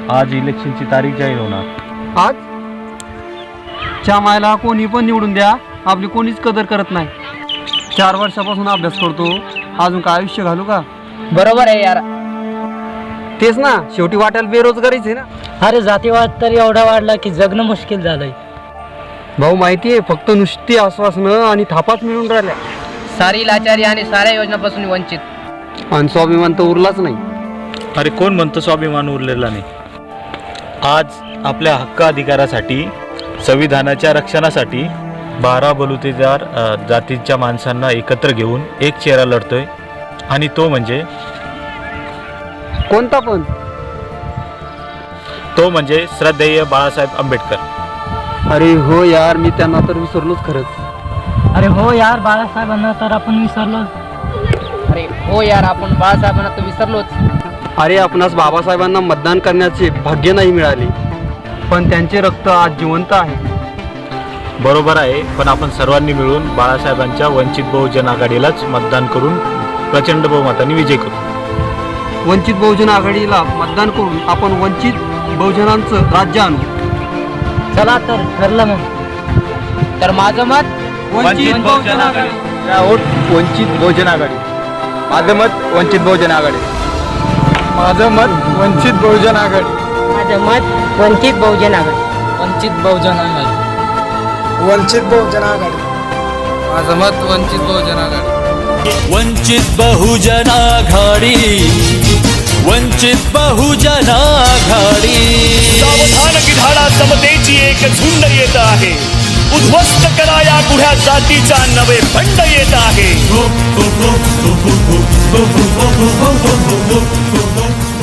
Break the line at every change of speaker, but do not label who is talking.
आज इलेक्शनची तारीख जाहीर होणार।
आज च्या मायला कोणी पण निवडून द्या, आपली कोणीच कदर करत नाही। 4 वर्षापासून अभ्यास करतो, अजून काय आयुष्य घालू का?
बरोबर आहे यार।
तेच ना, शेवटी वाटेल बेरोजगारीच आहे ना।
अरे जातीवाद तर एवढा वाढला की जगणं मुश्किल झालंय।
भाऊ माहिती आहे, फक्त नुसती आश्वासनं आणि थापाच मिळून राहिल्या।
सारी लाचारी आणि साऱ्या योजनापासून वंचित।
आणि स्वाभिमान तर उरलाच नाही।
अरे कोण म्हणतं स्वाभिमान उरलेला नाही? आज आपल्या हक्क अधिकारासाठी, संविधानाच्या रक्षणासाठी 12 बलुतेदार जातीच्या माणसांना एकत्र घेऊन एक चेहरा लढतोय, आणि तो म्हणजे
कोणता पण?
तो म्हणजे श्रद्धेय बाळासाहेब आंबेडकर।
अरे हो यार, मी त्यांना तर विसरलोच खरंच।
अरे हो यार, बाळासाहेबांना तर आपण विसरलोच। अरे हो यार, आपण बाळासाहेबांना तर विसरलोच।
अरे आपणास बाबासाहेबांना मतदान करण्याचे भाग्य नाही मिळाले, पण त्यांचे रक्त आज जिवंत आहे।
बरोबर आहे, पण आपण सर्वांनी मिळून बाळासाहेबांच्या वंचित बहुजन आघाडीलाच मतदान करून प्रचंड बहुमताने विजय करू।
वंचित बहुजन आघाडीला मतदान करून आपण वंचित बहुजनांचं राज्य आणू।
चला तर ठरलं मग। तर माझं मत
वंचित बहुजन आघाडी।
वंचित बहुजन आघाडी। माझं मत वंचित बहुजन आघाडी। माझं मत वंचित बहुजन आघाडी।
माझं मत वंचित बहुजन आघाडी। वंचित बहुजन आघाडी।
वंचित बहुजन आघाडी।
माझं मत वंचित बहुजन आघाडी।
वंचित बहुजन आघाडी। वंचित बहुजन आघाडी।
सावधान गिधाडा समतेची एक झुंड येत आहे, उद्ध्वस्त करा या गुढ्या जातीचा नवे बंड येत आहे।